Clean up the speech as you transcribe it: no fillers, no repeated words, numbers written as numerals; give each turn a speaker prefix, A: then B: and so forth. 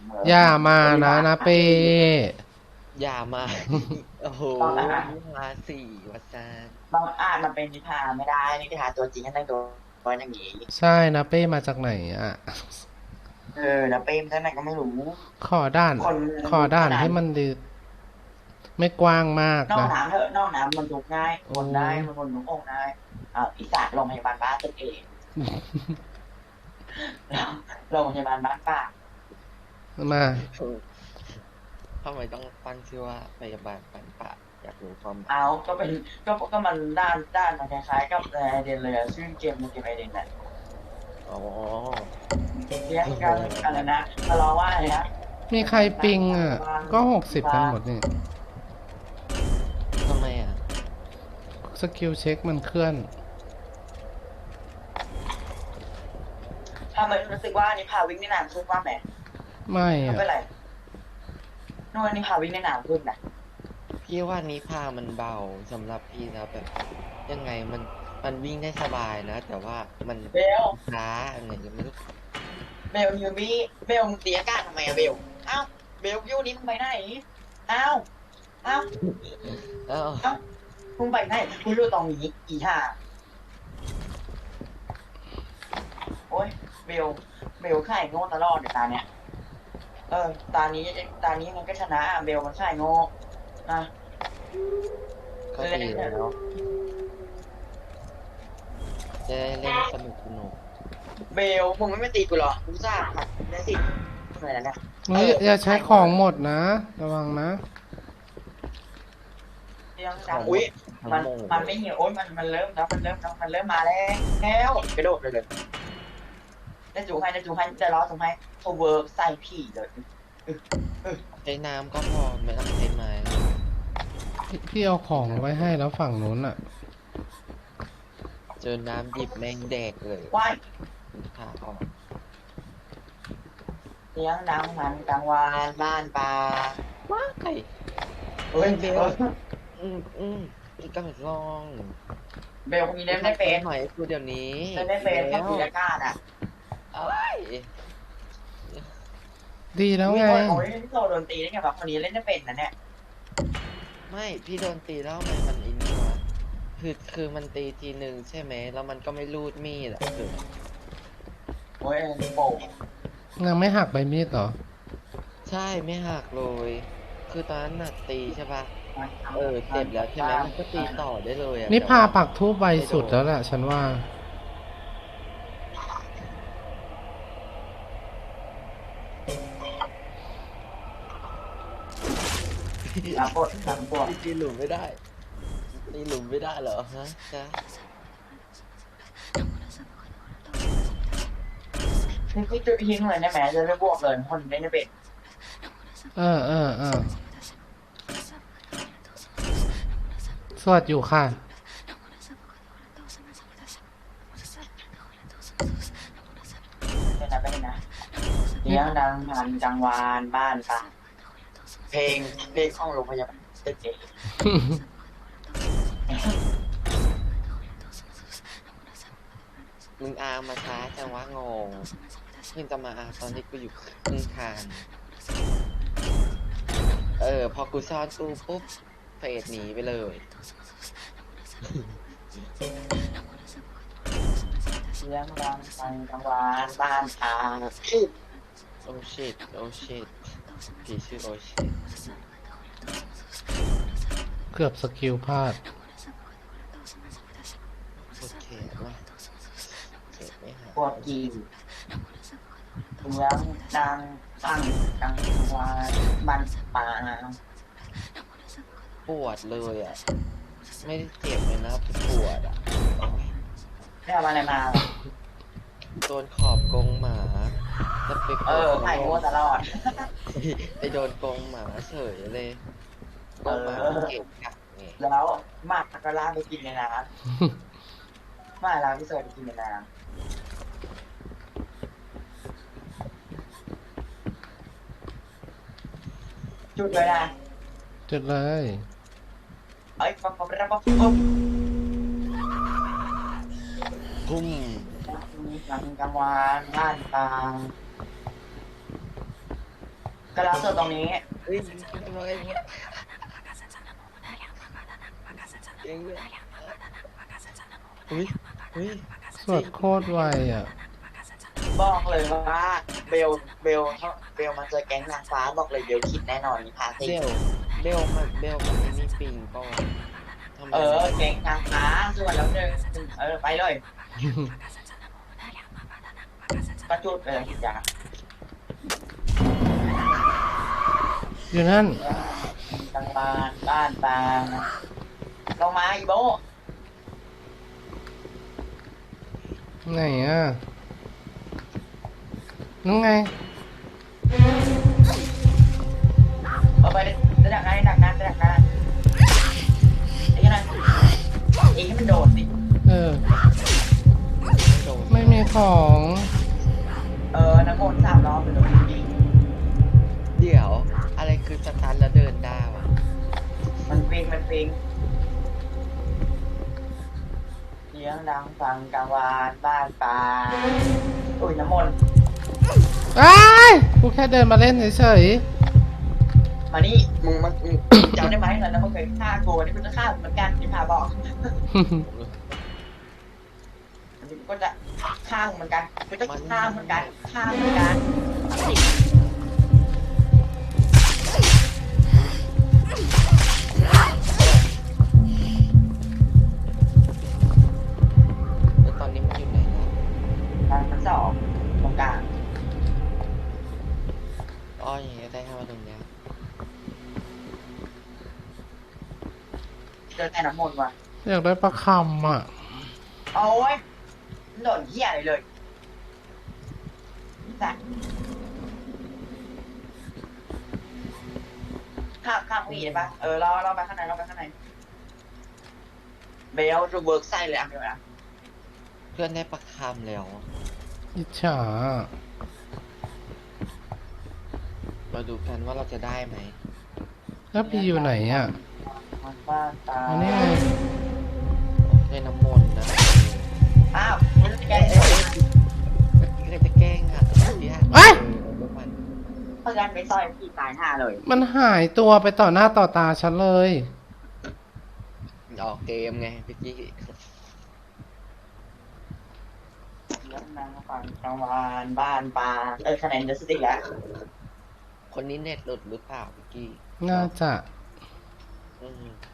A: อย่ามานะเป้
B: อย่ามาโอ้โห
C: บางอาจ
B: มาสี่วัซาน
C: บางอาจมันเป็นนิทานไม่ได้นิทานตัวจริงก็ต้องโดนอย่างนี้
A: ใช่นะเป้มาจากไหนอ่ะ
C: แล้วเปรมท่านไหนก็ไม่รู้
A: ขอด่าน
C: คน
A: ขอด่าน
C: ขนาด
A: ให้มันดีไม่กว้างมาก
C: นอก
A: นะ
C: น้ำเถอะนอกน้ำมันทุกง่าย
A: โอ้
C: คนได้มันคนทุกองค์ได้อีสานโรงพยาบาลบ้านตึกเองแล้วโรงพยาบาลบ้านป้า
A: มา
B: ทำไมต้องตั้งชื่อว่าพยาบาลปันปะอยากรู้ความหมาย
C: เอาก็เป็นก็มันด้านมันคล้ายๆกับไอเดนเลยชื่อเกมไอเดนน่ะ
B: อ๋อ
C: เรียกกันอะไรนะทะเลาะว่าอะไรนะ
A: มีใครปิงอ่ะก็60กันหมดนี่
B: ทำไมอ่ะ
A: สกิลเช็คมันเคลื่อน
C: ถ้ามันรู้สึกว่านี่พาวิ่งในน้ำขึ้นว่าไหม
A: ไม่
C: ไม่
A: อ่ะ
C: เป็นไรนู่นนี่พาวิ่งในน้ำขึ้นนะ
B: พี่ว่านิพามันเบาสำหรับพี่นะแบบยังไงมันวิ่งได้สบายนะแต่ว่ามัน
C: เบล
B: ช้าอะไรอย่างเงี้ยไม่รู้
C: ยูมี่เบลมึงเสียการทำไมอะเบลเอ้าเบลยูนี้มึงไปไหนเอ้าเอ้า
B: เอ้า
C: เอ้ามึงไปไหนกูอยู่ตรงนี้อีห่าโอ้ยเบลไข่โง่ตลอดในตาเนี้ยตานี้มันก็ชนะเบลมันไข่โง่นะ
B: ก็ดีแล้วจะได้เล่นสนุก
C: เบลมึงไม่ตีกูหรอกูทราบค่ะได้สิอะไรนะเนี่ย
A: เฮ้ยอย่าใช้ของหมดนะระวังนะ
C: เรื่องดังอุ้ยมันไม่เหี่ยวโอ้ยมันเริ่มแล้วมันเริ่มมาแล้วกระโดดเลยได้จูให้จะล้อจูให้โทเวิร์กใส่ผีเลย
B: ใช้น้ำก็พอไม่ต้องใช้ไม้แล้ว
A: พี่เอาของไว้ให้แล้วฝั่งนู้นอ่ะ
B: เจอน้ำดิบแม่งแดกเลย
C: ว่าย
B: ขาออก
C: เลี้ยงดังมันกลางวานบ้านปลา
B: ว้าไก่
C: เฮ้ย
B: เบลอีกกำลังลอง
C: เบลมีเล่นได้เป็น
B: หน่อยกูเดี๋ยวนี้
C: เล่นได้เป็นแค่ปีละก้าอ่ะ
B: เอ้ย
A: ดีแล้วไง
C: โอ้ยโซโดนตีได้ไงวะคนนี้เล่นได้เป็นนะเนี่ย
B: ไม่พี่โดนตีแล้วมันอินนี่วะคือมันตีทีหนึ่งใช่ไหมแล้วมันก็ไม่รูดมีดอ่ะคือ
C: โอ้ยโป่ง
A: ยังไม่หักใบมีดเหรอ
B: ใช่ไม่หักเลยคือตอนนั้นน่ะตีใช่ปะเจ็บแล้วใช่ไหมมันก็ตีต่อได้เลยอ่ะ
A: นี่
B: แต่ว่า
A: พาปักทูบใบสุดแล้วแหละฉันว่า
C: หลังปวด
B: ตีหลุมไม่ได้ตีหลุมไม่ได้เหรอฮะจ๊ะ
C: นี่จุดทิ้งเลยนะแม่จะไม่บวกเลยคนเล่นได้เป็น
A: สวดอยู่ค่ะ
C: เป็นนะเลี้ยงดังพันจังวานบ้านป่าเพลงของโรงพยาบาลเด็ก
B: มึงอามาช้าจังวะงงมึงจะมาอาตอนที่กูอยู่ครึ่งทางพอกูซ่อนตู้ปุ๊บเฟดหนีไปเลย
C: เลี้ยงดังพันจังวานบ้านป่า
B: โอ้ชิตโอ้ชิตผีชื่อโอชิต
A: เกือบสกิลพลาด
B: โอเคว่าเจ็บไม่หาย
C: ปวดกีเลี้ยงดังพันจังวานบ้านป่า
B: ปวดเลยอ่ะไม่ได้เจ็บเลยนะปวดอ่ะ
C: ได้เอาอะไรมา
B: โดนขอบกรงหมาจะไป
C: ไข่โง่ตลอด
B: ไปโดนกรงหมาเฉยเลยกรงหมาเก็บกัดไง
C: แล้วหมาก็ล่าไปกินในน้ำหมาล่าพี่เสิร์ฟไปกินในน้ำจุดเลยนะ
A: จุดเลย
C: ปั๊บ
B: พุ่ม
C: กลางวานบ้านปางกระลาสดตรงนี้
B: เฮ้ยทำไมเองเลยอุ้ยอุ้ย
A: สวดโคตรไวอ่ะ
C: บอกเลยว่าเบลเบลมาเจอแก๊งนางฟ้าบอกเลยเบลคิดแน่นอนนี่พาสิ
B: เบลมันไม่มีปิงเปล่าวะทำไม
C: แก๊งนางฟ้าส่วนแล้วหนึ่งไปเลยก็จุดเลยคิดจ้า
A: อยู่นั่น
C: ทางบ้านปางลงมาอีโบ
A: ไหนอ่ะนู่นไง
C: เอาไปจะดักงานไอ้ยังไงเองให้มันโดดสิ
A: เออ
B: โดน
A: ไม่มีของ
C: น้ำมนต์3 รอบไปเลย
B: เดี๋ยวอะไรคือสตาร์ทแล้วเดินได้วะ
C: มันฟิงเสียงดังฟังกลางวานบ้านปางอุ้ยน้ำมนต์
A: อ้ายกูแค่เดินมาเล่นเฉย
C: มานี่มึงจำได้ไหมตอนนั้นมึงเคยฆ่ากูวันนี้มึงจะฆ่าเหมือนกันที่พาบอก
A: ๆ
C: อันนี้ก็จะฆ่าเหมือนกันก็จะฆ่าเหมือนกัน
B: แล้วตอนนี้มันอยู่ไหนแล้ว
C: ทั้งสองตรงกลาง
B: อ้ออย่างเงี้ยได้แค่มาตรงเนี้ย
C: เจอแต่น้ำมนต์ว่ะ
A: อยากได้ปลาคำอ่ะ
C: โอ้ยโดนเหี้ยอะไรเลยสัตว์ข้างพี่ได้ปะรอไปข้างในเบลจะเวิร์กไส้เลยอ่ะเบลนะ
B: เพื่อนได้ประคำแล้ว
A: อิจฉา
B: มาดูกันว่าเราจะได้ไหม
A: แล้วพี่อยู่ไหนอ่ะ
C: มันบ้านตา
A: อันนี้ไง
B: ได้น้ำมนต์นะ
C: อ้าวมันจะแก้ได้ยังไง
B: นี่เลยจะแกล้งอ่ะที่ฮะ
A: เอ้ย
B: มัน
C: เพราะฉะนั้นไปซอยพี่ตายห่าเลย
A: มันหายตัวไปต่อหน้าต่อตาฉันเลย
B: ออกเกมไงพี่กี้
C: เรื่องนางฟังกลางวานบ้านปลาคะแนนจะสติกแล้ว
B: คนนี้เน็ตหลุดหรือเปล่าพี่กี้
A: น่าจะ
B: อืม